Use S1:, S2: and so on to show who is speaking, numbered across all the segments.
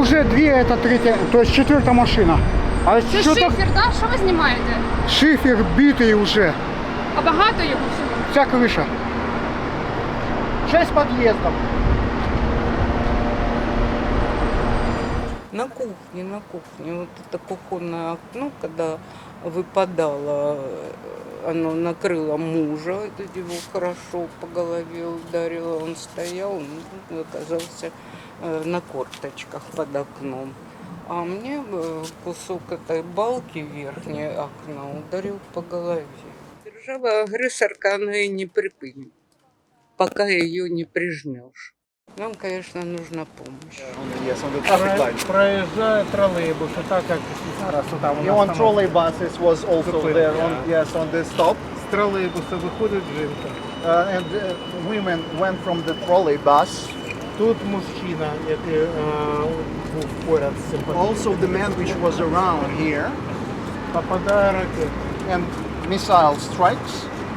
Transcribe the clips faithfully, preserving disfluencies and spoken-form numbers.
S1: уже две, это третья, то есть четвертая машина. А
S2: Це
S1: що так?
S2: шифер, да? Що ви знімаєте?
S1: Шифер битый уже.
S2: А багато його всього?
S1: Вся крыша. Шесть подъездов.
S3: На кухне, на кухне. Вот это кухонное окно, когда выпадало, оно накрыло мужа, это его хорошо по голове ударило. Он стоял, ну, оказался э, на корточках под окном. А мне э, кусок этой балки верхней окна ударил по голове. Держава-агрессорка, она и не припынет, пока ее не прижмешь. Нам, конечно, нужна помощь.
S4: Yes, on the traffic light.
S5: Проїжджає тролейбус, так як зараз там у
S4: Yeah,
S5: нас
S4: on
S5: там
S4: trolley buses was also
S5: Zupin,
S4: there. On
S5: yeah.
S4: yes, on the stop,
S5: з тролейбуса виходить жінка.
S4: uh, and uh, women went from the trolley bus.
S5: Тут мужчина, який е, був поряд з цим
S4: Also, the man which was around here,
S5: попадає ракета.
S4: and missile strikes.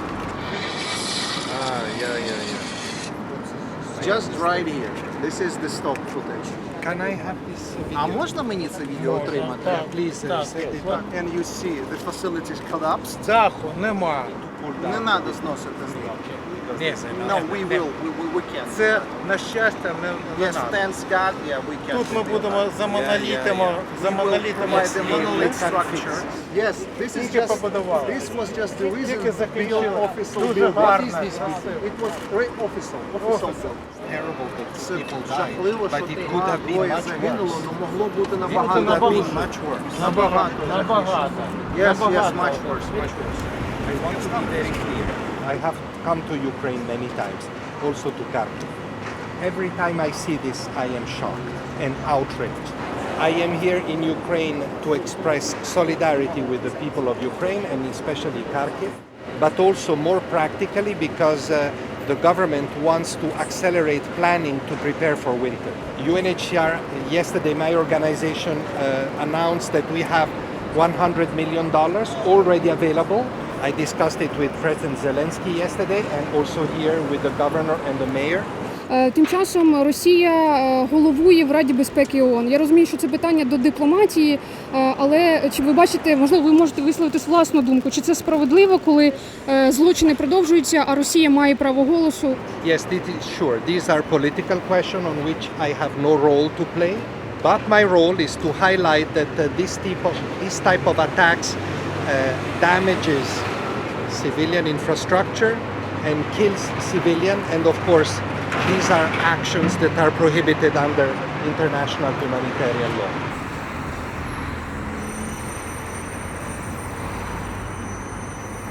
S6: Ah, yeah, yeah, yeah.
S4: Just right here. This is the stop footage.
S6: Can I have this video?
S4: А можна мені це відео
S5: Можна,
S4: отримати?
S5: так,
S4: Please,
S5: так,
S4: uh, set it
S5: так.
S4: up. And you see the facilities collapsed.
S5: Даху нема.
S4: Не треба зносити.
S5: Ні,
S4: No, we will. We, we, we can.
S5: Це, на щастя, не, не
S4: Yes,
S5: надо.
S4: thanks God, yeah, we can.
S5: Тут ми будемо за монолітами, за
S4: We will
S5: монолітами
S4: provide the monolith
S5: стіни.
S4: structure. Yes, this is
S5: Тільки
S4: just,
S5: побудували.
S4: this was just the reason
S5: Тільки
S4: build
S5: закінчили.
S4: official
S5: Дуже
S4: building.
S5: гарно.
S4: It was very official, official build.
S6: Terrible that
S4: Це
S6: people died,
S4: жахливо,
S6: but
S4: що
S6: it could have been
S4: двоє
S6: much
S4: загинуло,
S6: worse.
S4: але могло бути
S6: It
S4: набагато
S6: could have been
S4: більше.
S6: much worse.
S5: Набагато, набагато.
S4: Yes, yes,
S5: Набагато.
S4: much worse, much worse.
S6: I want to be very clear. I have come to Ukraine many times, also to Kharkiv. Every time I see this, I am shocked and outraged. I am here in Ukraine to express solidarity with the people of Ukraine and especially Kharkiv, but also more practically because uh, the government wants to accelerate planning to prepare for winter. U N H C R, yesterday my organization uh, announced that we have one hundred million dollars already available. I discussed it with President Zelensky yesterday and also here with the governor and the mayor.
S2: Е, Тим часом Росія е, головує в Раді безпеки ООН. Я розумію, що це питання до дипломатії, е, але чи ви бачите, можливо, ви можете висловити власну думку, чи це справедливо, коли е, злочини продовжуються, а Росія має право голосу?
S6: Yes, this is sure. These are political questions on which I have no role to play. But my role is to highlight that uh, this type of this type of attacks uh, damages civilian infrastructure and kills civilian, and of course these are actions that are prohibited under international humanitarian law.